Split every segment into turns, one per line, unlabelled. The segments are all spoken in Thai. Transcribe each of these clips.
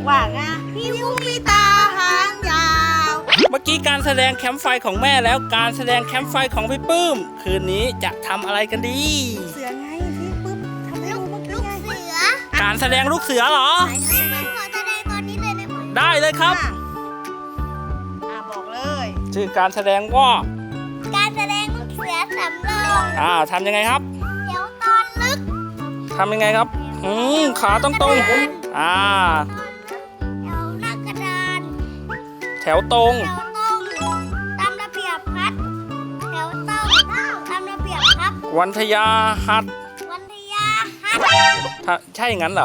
ว่าไงพี่วุ้งมีตาหางยาว
เมื่อกี้การแสดงแคมป์ไฟของแม่แล้วการแสดงแคมป์ไฟของพี่ปื้มคืนนี้จะทำอะไรกันดี
เสือไงพี่ปุ๊บทำให้ดูเมื่อกี้
ลูก
ไง
เสือ
การแสดงลูกเสือเหรอ
พี่ปื้มขอแสดงตอนนี้เลยได้ไหม
ได้เลยครับ
บอกเลย
ชื่อการแสดงว่า
การแสดงลูกเสือสำรอง
ทำยังไงครับ
เดี๋ยวตอนลึก
ทำยังไงครับขาตรงๆ
แถวหน้ากระดาน
แถวตรง
แถวตรงตามระเบียบพัดแถวตรงตามระเบียบพับ
วันทยาหัด
วันทยาฮัท
ใช่อย่างนั้นเหรอ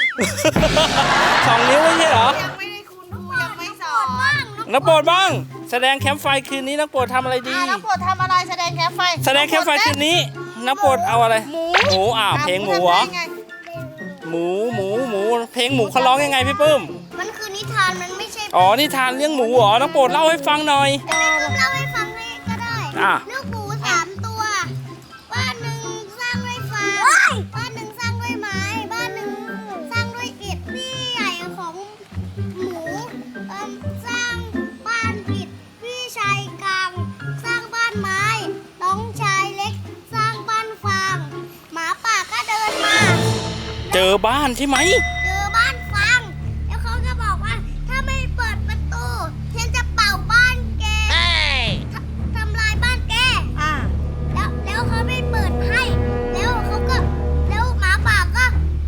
2 นิ้วไม่ใช่เหรอ
ยังไม่ได้คุณครูยังไม่สอน
บ้าง
นักโปรดบ้างแสดงแคมป์ไฟคืนนี้นักโปรดทำอะไรดี
น้องโปรดทำอะไรแสดงแคมป์ไฟ
แสดงแคมป์ไฟคืนนี้นักโปรดเอาอะไรหมูเพลงหมูเหรอ
ทำได้ไง
หมูเพลงหมูเขาร้องยังไงพี่ปื้ม
มันคือนิทานมันไม่ใช่
อ๋อนิทานเรื่องหมูเหรอนักโปรดเล่าให้ฟังหน่อย
พี่ปื้มเล่าให้ฟังให้ก็ได้
อ่ะ
ลูกหมู3 ตัวบ้านหนึ่งสร้างด้วยฟางบ้านหนึ่งสร้างด้วยไม้บ้านหนึ่งสร้างด้วยอิฐพี่ใหญ่ของหมูสร้างบ้านอิฐพี่ชายกลางสร้างบ้านไม้น้องชายเล็กสร้างบ้านฟางหมาป่าก็เดินมา
เจอบ้านใช่ไหม
เจอบ้านฟางแล้วเขาก็บอกว่าถ้าไม่เปิดประตูฉันจะเป่าบ้านแกทำลายบ้านแก
อ่ะ
แล้วเขาไม่เปิดให้ แล้วเขาก็แล้วหมาป่าก็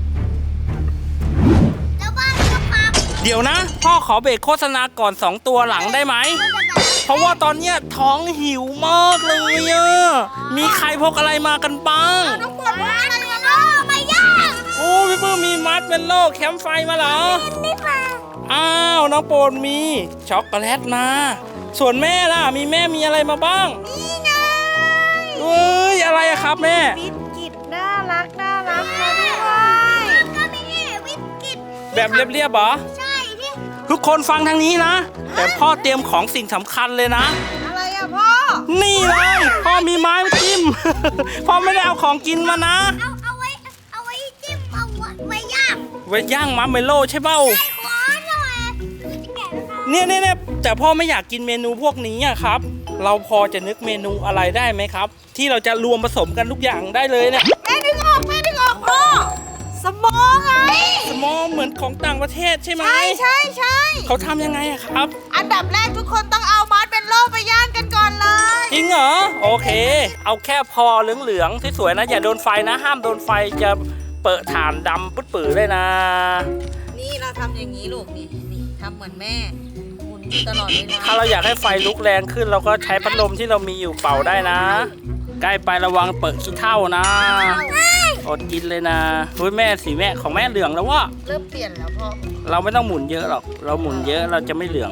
แล้วบ้านก็พัง
เดี๋ยวนะ พ่อขอเบรกโฆษณาก่อน 2 ตัวหลังได้ไหม เพราะว่าตอนเนี้ยท้องหิวมากเลยอะมีใครพกอะไรมากันบ้าง
ต้องปวดบ้านอะไรเนาะไม่ยาก
โอ้พี่ปื้มมีมัดเป็นโลแคมป์ไฟมาเหรอ
นี่มา
อ้าวน้องโปรดมีช็อกโกแลตมา ส่วนแม่ล่ะแม่มีอะไรมาบ้าง
นี่ไง
เอ้ยอะไรอะครับแม่
บิสกิตน่ารักมาด้วย
ก็มีวิสกิต
แบบเรียบๆเหรอ
ใช่ที่
ทุกคนฟังทางนี้นะ แต่พ่อเตรียมของสิ่งสำคัญเลยนะ
อะไรอ่ะพ่อ
นี่เลยพ่อมีไม้มาจิ้ม พ่อไม่ได้เอาของกินมานะ
เอาไว้จิ้มเอาไว้ย่าง
ไว้ย่างมัมเมโลใช่เปล่า
ไอ้ขอหน่อยจะแกะแล้วนะ
เนี่ยแต่พ่อไม่อยากกินเมนูพวกนี้อะครับ เราพอจะนึกเมนูอะไรได้ไหมครับ ที่เราจะรวมผสมกันทุกอย่างได้เลยเนี่ย
แม่ดึงออกพ่อสมองไง
สมองเหมือนของต่างประเทศใช่ไหม
ใช่
เขาทำยังไงอะครับ
อันดับแรกทุกคนต้องเอามัดเป็นโล่ไปย่างกันก่อนเลย
จริงเหรอโอเค เอาแค่พอเหลืองๆสวยๆนะอย่าโดนไฟนะ ห้ามโดนไฟจะเปิดถ่านดำปื้ดๆเลยนะ
นี่เราทำอย่างนี้ลูกนี่ทำเหมือนแม่หมุนอยู่ตลอดเวลา
ถ้าเราอยากให้ไฟลุกแรงขึ้นเราก็ใช้พัดลมที่เรามีอยู่เป่าได้นะ ใกล้ไประวังเปิดขี้เถ้านะอดกินเลยนะเฮ้ยแม่สีแม่ของแม่เหลืองแล้ววะ
เริ่มเปลี่ยนแล้วพ่อ
เราไม่ต้องหมุนเยอะหรอกเราหมุนเยอะเราจะไม่เหลือง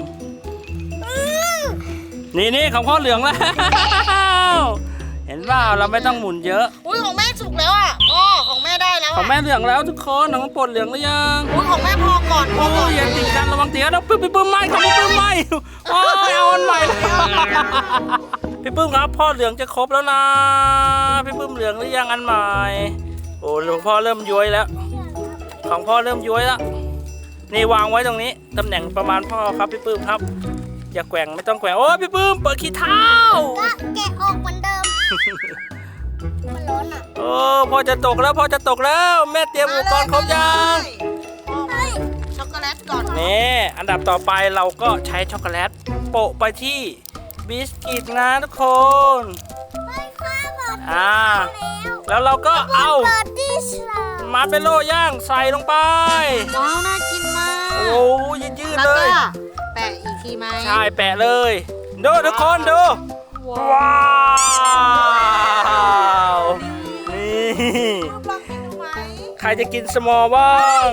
นี่ของพ่อเหลืองแล้ว เห็นว่าเราไม่ต้องหมุนเยอะ
อุ้ยของแม่สุกแล้วอ่ะอ๋อของแม่ได้แล้ว
ของแม่เหลืองแล้วทุกคนของปดเหลืองหรือยัง
อุ้ยของแม่พอก่อนพอ
โอ้
ก่อน
ยอย่าติดกันระวังเตี๋ยวนะปื้มไหมของพี่ปื้มไหมโอ้ยเอาอันใหม่เลยพี่ปื้มครับพ่อเหลืองจะครบแล้วนะพี่ปื้มเหลืองหรือยังอันใหม่โอ้หลวงพ่อเริ่มย้วยแล้ว ของพ่อเริ่มย้วยแล้วนี่วางไว้ตรงนี้ตำแหน่งประมาณพ่อครับพี่ปื้มครับอย่าแกว่งไม่ต้องแกว่งโอ้ยพี่ปื้มเปิดขี้เท้า
ก็แกะออกเหมือนเดิมมันร้อนอ่ะ
โอ้พ่อจะตกแล้วแม่เตรียมอุปกรณ์ครบยัง
ช็อกโกแลตก่อน
นี่อันดับต่อไปเราก็ใช้ช็อกโกแลตโปะไปที่บิสกิตนะทุกคน
ไปข้าบอก
แล้วเราก็เอา
เปิดดิชลา
มาร์เมลโล่ย่างใส่ลงไป
ว้าวน่ากินมาก
โอ้ยืด
แล้ว
เล
ก็
ย
แปะอีกทีไหม
ใช่แปะเลยดูทุกคนดูว้าวนี่
ลองกินดูไหม
ใครจะกินสมอลบ้าง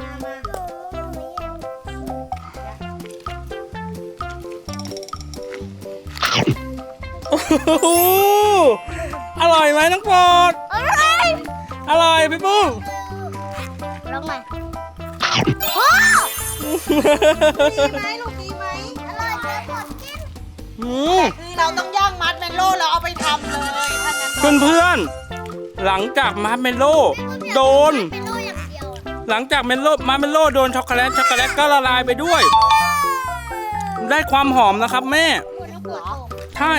โอ้โหอร่อยไหมน้องปอด อร่อยพี่ปุ้ง
ลองใหม่
ดีไหมลูกดีไหม
อร่อยจังหมดกิน
คือเราต้องย่างมัดเมลโล่แล้วเอาไปทำเลยถ้างั้น
เพื่อนๆหลังจากมาร์เมลโล่โดน
เป็นโล่อย่างเดียว
หลังจากมาร์เมลโล่โดนช็อกโกแลตก็ละลายไปด้วย ได้ความหอมนะครับแม่ ใช่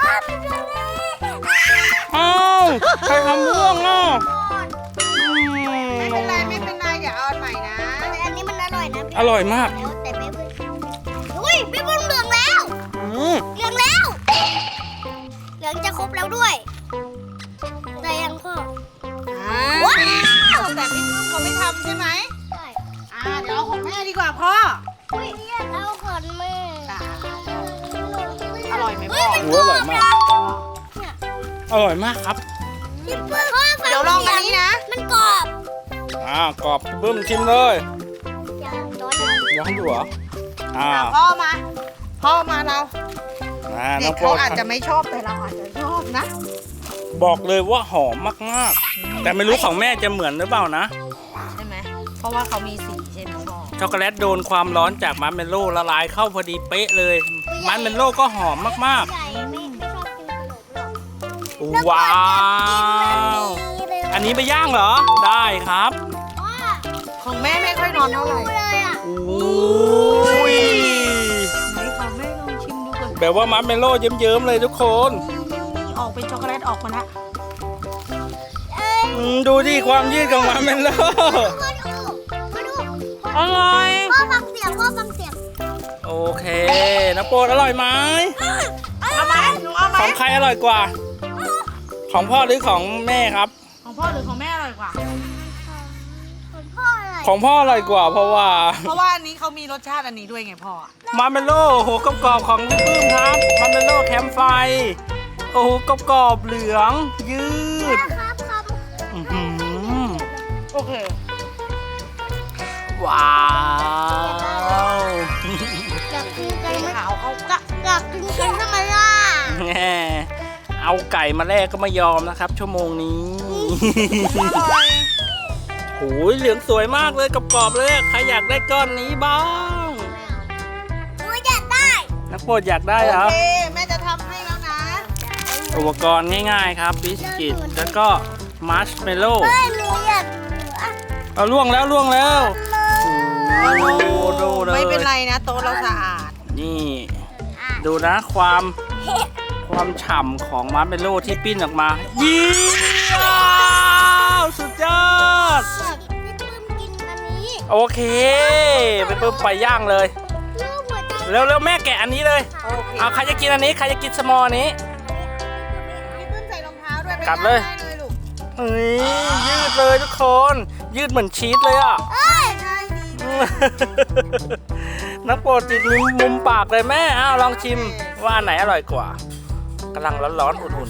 อ้าวใครทำม่วงอ่ะ
ไม่เป็นไรไม่เป็นไรเดี๋ยวเอาอันใหม่นะ
อันนี้มันอร่อยนะ
อร่อยมาก
แต่ไม่เพิ่งอุ้ยพี่บุ้งเหลืองแล้ว เหลืองแล้ว เหลืองจะครบแล้วด้วยได้ยังพ่อ
ว้าวแต่พี่ปุ้มเขาไม่ทำใช่ไหม
ใช่
เดี๋ยวเอาของแม่ดีกว่าพ่อ
อุ้ยเอาขนมือ
อร่อยไหมพ่อ
โอ้อร่อยมาก อร่อยมากครับ
พี่เปิ้ลพ่อฟัง
เดี๋ยวลองอันนี้นะ
มันกรอบ
กรอบบึ้มชิมเลย
อย่างร้อน
อยากให้ดูเหรอ
พ่อมาเรา
น้
เด็
อก งโปร
เขา
ด
อาจจะไม่ชอบแต่เราอาจจะชอบนะ
บอกเลยว่าหอมมากๆ แต่ไม่รู้ของแม่จะเหมือนหรือเปล่านะ
ใช่ไหมเพราะว่าเขามีสีใช่ไหมพ่อ
ช็อกโกแลตโดนความร้อนจากมาร์เมลโล่ละลายเข้าพอดีเป๊ะเลย มาร์เมลโล่ก็หอมมาก
ใหญ่ไม่ชอบกินขนมหรอก
ๆ ว้าว อันนี้ไปย่างเหรอ ได้ครับ
ว่า
ของแม่ไม่ค่อยนอนเท่าไหร่
เลยอ่ะ
อุ้ย
ไหนของแม่ลองชิมดูก่อน
แบบว่ามาร์เมลโล่เยิ้มๆเลยทุกคน
ออกเป็นช็อกโกแลตออกมาแล้ว
ดูที่ความยืดของมาร์เมลโล่
มาดู
อร่อย
พ่อฟังเสียงพ่อฟังเสียง
โอเคน้องโปรดอร่อยไหม
เอาไหมหนูเอาไหม
ของใครอร่อยกว่า ของพ่อหรือของแม่ครับ
ของพ่อหรือของแม่อร่อยกว่า
พ่ออะไร
ของพ่ออร่อยกว่าเพราะว่า
เพราะว่าอันนี้เขามีรสชาติอันนี้ด้วยไงพ่อ
มาร์เมลโล่โหกรอบๆของพี่ปื้มครับมาร์เมลโล่แคมป์ไฟ โอ้โหกรอบๆเหลืองยืด
ครับครับ
อื้อหือ
โอเค
ว้าว
อยากกินกันไหม
ขาวเขากะ
อยากกินกันทำไมล่ะ
แง่เอาไก่มาแลกก็ไม่ยอมนะครับ ชั่วโมงนี้
อร่อย
โอ้ยเหลืองสวยมากเลยกรอบๆเลยใครอยากได้ก้อนนี้บ้าง
หนูอยากได้
นักโปรดอยากได้เหรอ
โอเคแม่จะทำให้แล้วนะ
อุปกรณ์ง่ายๆครับบิสกิตแล้วก็มาร์ชเมลโล่
เฮ้ยหนูอยากอ่ะ
เอาล่วงแล้วโอ้ดูเลย
ไม่เป็นไรนะโต๊ะเราสะอาด
นี่ ดูนะความฉ่ำของมาร์ชเมลโล่ที่ปิ้นออกมายี่สุดยอด
พี่ปื้มกินอันนี้
โอเคไปเพิ่มไปย่างเลย
ลูกหัวใจ
เร็วๆแม่แกะอันนี้เลย
โอเค
เอาใครจะกินอันนี้ใครจะกินสมอลนี้
พี่ปื้มใส่รองเท้าด้วยไป
กลับเลย
ได้เลยลูก
เฮ้ยยืดเลยทุกคน ยืดเหมือนชีสเลยอ่ะ
เอ้ย
ใช่ดี
นักโปรดติดมุมปากเลยแม่อ้าวลองชิมว่าอันไหนอร่อยกว่ากำลังร้อนๆอุ่น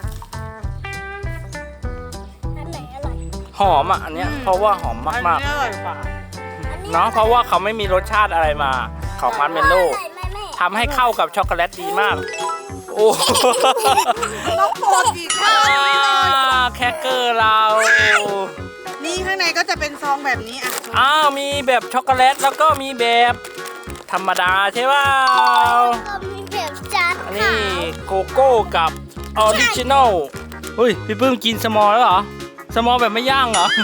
อันไหนอร่อย
ๆหอมอ่ะอันเนี้ยเพราะว่าหอมมาก
อันนี้อร่อยกว่า
ๆเนาะเพราะว่าเขาไม่มีรสชาติอะไรมาของมาร์ชเมลโล่
อร่อยไหมแม่
ทำให้เข้ากับช็อกโกแลตดีมาก โอ้
ต้องโปรดอีกข้าวนี้เลย
แครกเกอร์เรา
นี่ข้างในก็จะเป็นซองแบบนี้อ่ะ
อ้าวมีแบบช็อกโกแลตแล้วก็มีแบบธรรมดาใช่ป่าว
ก็มีแบบจาน
อัน
ขา
นี้
ว
โกโก้กับออริจินอลเฮ้ยพี่ปื้มกินสมอลแล้วเหรอสมอลแบบไม่ย่างเหรอ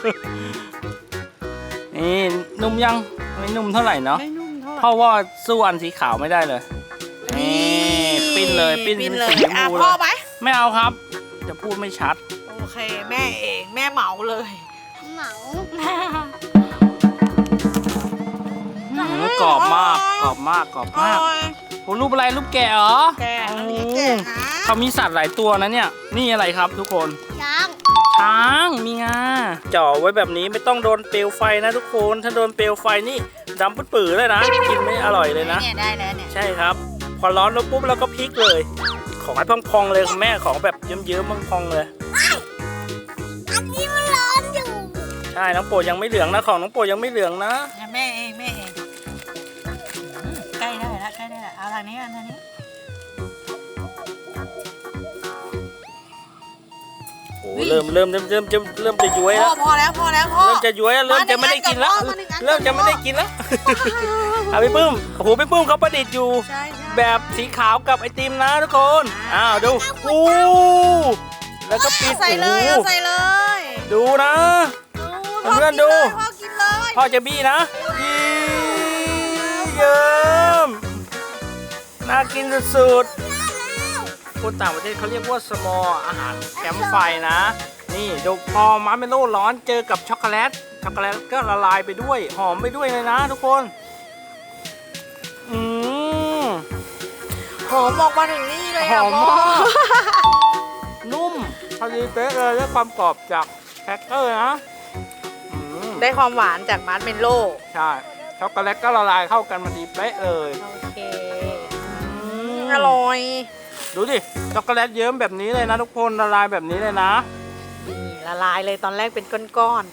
นี่นุ่มยังไม่นุ่มเท่าไหร่เนาะ
ไม่นุ่มเท่าไห
เพ
ร่
ราะว่าสู้อันสีขาวไม่ได้เลยนี่ปิ้นเลยปิ้น
ปิ้น
เป็น
เลย
สีชม
อ่ะ
พู
พ่
เล
อย ไหม
ไม่เอาครับ จะพูดไม่ชัด
โอเคแม่เองแม่เหมาเลย
เหมา
กรอบมากกรอบมากกรอบมากโอ้รูปอะไรรูปแกะเหรอ
แกะอันนี้แกะนะ
เขามีสัตว์หลายตัวนะเนี่ย นี่อะไรครับทุกคน
ช้าง
ช้างมีงาจ่อไว้แบบนี้ไม่ต้องโดนเปลวไฟนะทุกคน ถ้าโดนเปลวไฟนี่ดำปื้อๆเลยนะ กินไม่อร่อยเลยนะ
เนี่ยได้แล้วเนี่ย
ใช่ครับ พอร้อนแล้วปุ๊บเราก็พลิกเลย ของให้พองๆเลยคุณแม่ของแบบเยิ้มๆพองๆเลย
อันนี้มันร้อนอยู่
ใช่น้องโปรดยังไม่เหลืองนะของน้องโปรดยังไม่เหลืองนะ
แม่เองแม่เองใกล้ได้แล้วใกล้ได้แล้วเอาทางนี้อันนี้
โอ้เริ่มจะย้วย
พ่
แล้
อ
ว
พอแล้วพอแล้วพ่อ
เริ่มจะย้วยแล้วเริ่มจะไม่ได้กินแล้ว
มาหนึ่งอันก่อน
เริ่มจะไม่ได้กินแล้วเอาพี่ปื้มโอ้โหพี่ปื้มเขาประดิษฐ์อยู่
ใช่ใช่
แบบสีขาวกับไอติมนะทุกคนอ้าวดูอู้แล้วก็ปิด
ใส่เลย
โอ้
เอา
โห
ใส่เลย
ดูนะ
พ่อ
เพื่อนๆดู
พ่อกิน
พ่อจะบี้นะเยิ้มน่ากินสุดๆคนต่างประเทศเขาเรียกว่าสมอลอาหารแคมป์ไฟนะนี่ดูพอมาร์เมโล่ร้อนเจอกับช็อกโกแลตก็ละลายไปด้วยหอมไปด้วยเลยนะทุกคน
หอมออกมาถึงนี่เลย
ห
อ่ะ
อม
พ่อ
มากนุ่มพอดีเป๊ะเลยได้ความกรอบจากแครกเกอร์นะ
ได้ความหวานจากมาร์ชเมลโล่
ใช่ช็อกโกแลตก็ละลายเข้ากันพอดีเป๊ะเลย
โอเคอร่อย
ดูดิช็อกโกแลตเยิ้มแบบนี้เลยนะทุกคนละลายแบบนี้เลยนะ
นี่ละลายเลยตอนแรกเป็นก้อน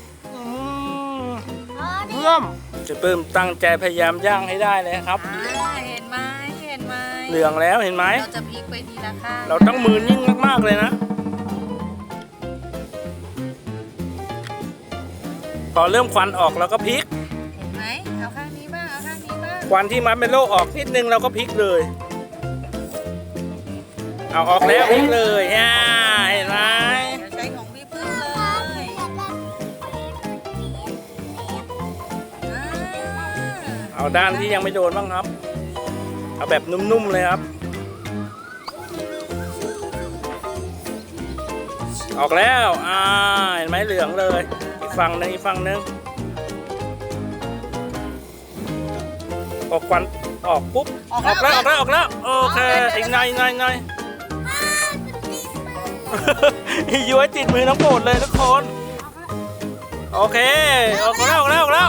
เพิ่มจะเพิ่มตั้งใจพยายามย่างให้ได้เลยครับ
เห็นไหมเห็นไหม
เหลืองแล้วเห็นไหม
เราจะพลิกไปทีละข้าง
เราต้องมือนิ่งมากๆเลยนะพอเริ่มควันออกเราก็พลิก
เห็นไหมเอาข้างนี้บ้างเอาข้างนี้บ้าง
ควันที่มัดเมลโล่ออกนิดนึงเราก็พลิกเลยเอาออกแล้วพลิกเลยเห็นไหม
เดี๋ยวใช้ของพี่พึ่งเลย
เอาด้านที่ยังไม่โดนบ้างครับเอาแบบนุ่มๆเลยครับออกแล้วเห็นไหมเหลืองเลยอีกฝั่งหนึงออกควันออกปุ๊บออกแล้วโอเคอีกหน่อยย้วยติดมือน้องโปรดเลยทุกคนโอเคออกแล้ว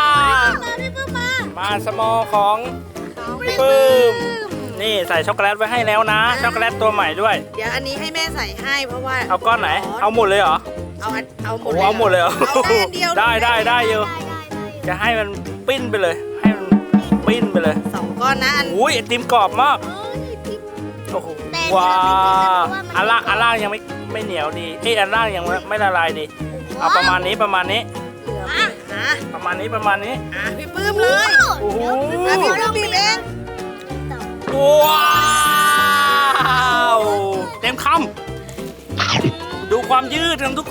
มาสมอของพี่ปื้มนี่ใส่ช็อกโกแลตไว้ให้แล้วนะช็อกโกแลตตัวใหม่ด้วย
เดี๋ยวอันนี้ให้แม่ใส่ให้เพราะว่า
เอาก้อนไหนเอาหมดเลยเหรอ
เอาหม
โอ้
ด
เอาหมดเลยเหรอ
เอาแค่อันเดียว
ได้อยู่จะให้มันปิ้นไปเลยให้มันปิ้นไปเลย
2 ก้อนนะอัน
อุ้ยไอติมกรอบมากโอ้โหว้าอันล่างยังไม่เหนียวดีอันล่างยังไม่ละลายดีเอาประมาณนี้
เหลือนะ
ประมาณนี้
พี่ปื้มเลย
โอ้โห
พี่ปื้มบีบเอง
ว้าวเต็มคำดูความยืดของทุก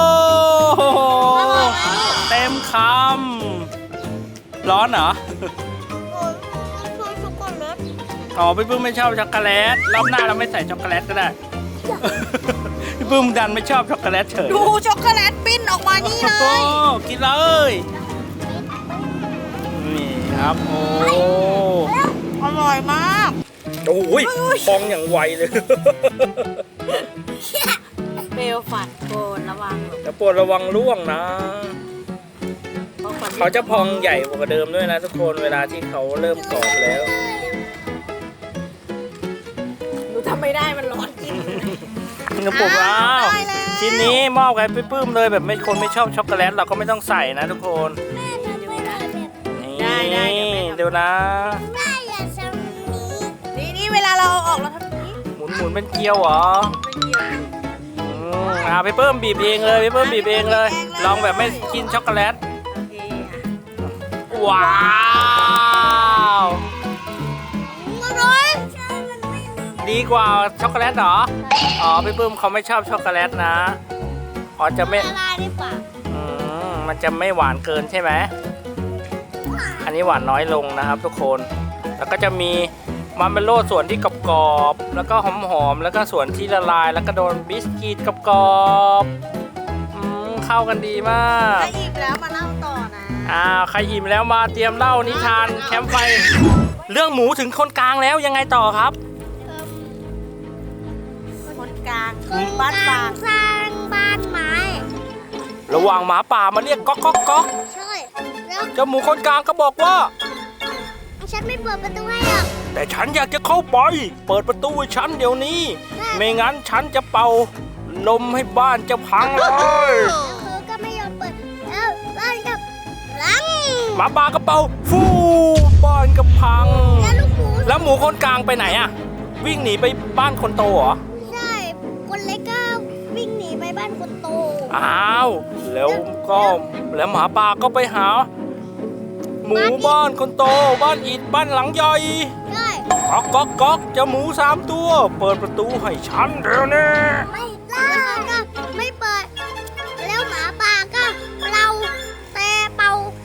คนเต็มคำร้อนเหรออ๋อพี่ปื้มไม่ชอบช็อกโกแลตรอบหน้าเราไม่ใส่ช็อกโกแลตก็ได้พี่ปื้มดันไม่ชอบช็อกโกแลตเฉย
ดูช็อกโกแลตปิ้นออกมานี่เล
โอ้
ย
กินเลยนี่ครับโอ้
อร่อยมาก
โอ้ยพองอย่างไวเลย
เปลวฝันโกนระวัง
แล้วโปรดระวังร่วงนะเขาจะพองใหญ่กว่าเดิมด้วยนะทุกคนเวลาที่เขาเริ่มกรอบแล้ว
หนูทำไม่ได้มันร้อนจริง
กระปุกแล้วชิ้นนี้มอบให้พี่ปื้มเลยแบบไม่ชอบช็อกโกแลตเราก็ไม่ต้องใส่นะทุกคนนี่ดูนะ
นี่เวลาเราเอาออกเราทำนี้
หมุนเป็นเกลียวเหรอพี่ปื้มบีบเองเลยพี่ปื้มบีบเองเลยลองแบบไม่กินช็อกโกแลตว้าวดีกว่าช็อกโกแลตเหรออ๋อพี่ปื้มเขาไม่ชอบช็อกโกแลตนะอ๋อจะไม่มันจะไม่หวานเกินใช่ไหมอันนี้หวานน้อยลงนะครับทุกคนแล้วก็จะมีมาร์เมลโล่ส่วนที่กรอบๆแล้วก็หอมๆแล้วก็ส่วนที่ละลายแล้วก็โดนบิสกิตกรอบๆเข้ากันดีมาก
ถ้าอิ่มแล้วมาเล่าต่อนะ
ใครอิ่มแล้วมาเตรียมเล่านิทานแคมป์ไฟเรื่องหมูถึงคนกลางแล้วยังไงต่อครับ
คนกลางบ้านฟาง
สร้างบ้านไม้
ระหว่างหมาป่ามาเรียกก๊อกก๊อกก๊อก
ใช่แล้ว
เจ้าหมูคนกลางก็บอกว่า
ฉันไม่เปิดประตูให้หรอก
แต่ฉันอยากจะเข้าไปเปิดประตูให้ฉันเดี๋ยวนี้ไม่งั้นฉันจะเป่าลมให้บ้านจะพังเลย
แล้วคือก็ไม่ยอมเปิดแล้วบ้านกับหลัง
หมาป่าก็เป่าฟูบ้านก็พัง
แล้วลูกหมู
แล้วหมูคนกลางไปไหนอะวิ่งหนีไปบ้านคนโตเหรอ
ใช่คนเล็กก็วิ่งหนีไปบ้านคนโต
อ้าวแล้วหมาป่าก็ไปหาหมูบ้านคนโตบ้านอิฐบ้านหลังใหญ่
ใช่
ก๊อกก๊อกก๊อกเจ้าหมู3 ตัวเปิดประตูให้ฉันเดี๋ยวนี้
ไม่แล้วก็ไม่เปิดแล้วหมาป่าก็เราแต่เป่า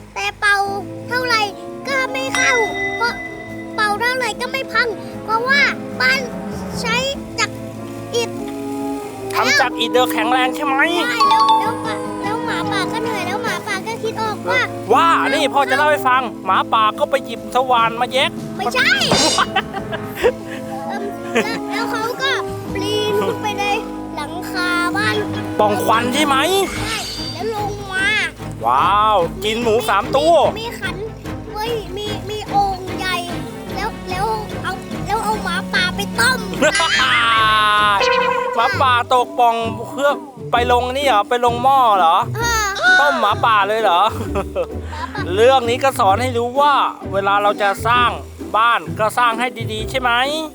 ท่าไหร่ก็ไม่พัง เพราะว่าบ้านใช้จากอิฐ
ทำจากอิฐเดิมแข็งแรงใช่ไหม
ได้แล้วหมาป่าก็เหนื่อยแล้วหมาป่าก็คิดออกว่า
ว่านี่พ่อจะเล่าให้ฟัง หมาป่าก็ไปหยิบสว่านมาแยก
ไม่ใช่ แล้วเขาก็ปีนขึ้นไปในหลังคาบ้าน
ป่องควันใช่ไหม
ใช่แล้วลงมา
ว้าว กินหมู3 ตัว
มีขันเว้ยมีโอ่งใหญ่ แล้วเอาหมาป่าไปต้ม
หมาป่าตกป่องเพื่อไปลงนี่เหรอ ไปลงหม้อเหรอ ต้มหมาป่าเลยเหรอ เรื่องนี้ก็สอนให้รู้ว่า เวลาเราจะสร้างบ้านก็สร้างให้ดีๆ ใช่ไหม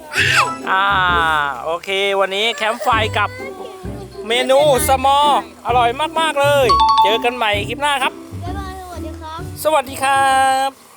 โอเค วันนี้แคมป์ไฟกับเมนูสมออร่อยมากๆเลย เจอกันใหม่คลิปหน้าครับ
บ๊ายบายสวัสดีครับ
สวัสดีครับ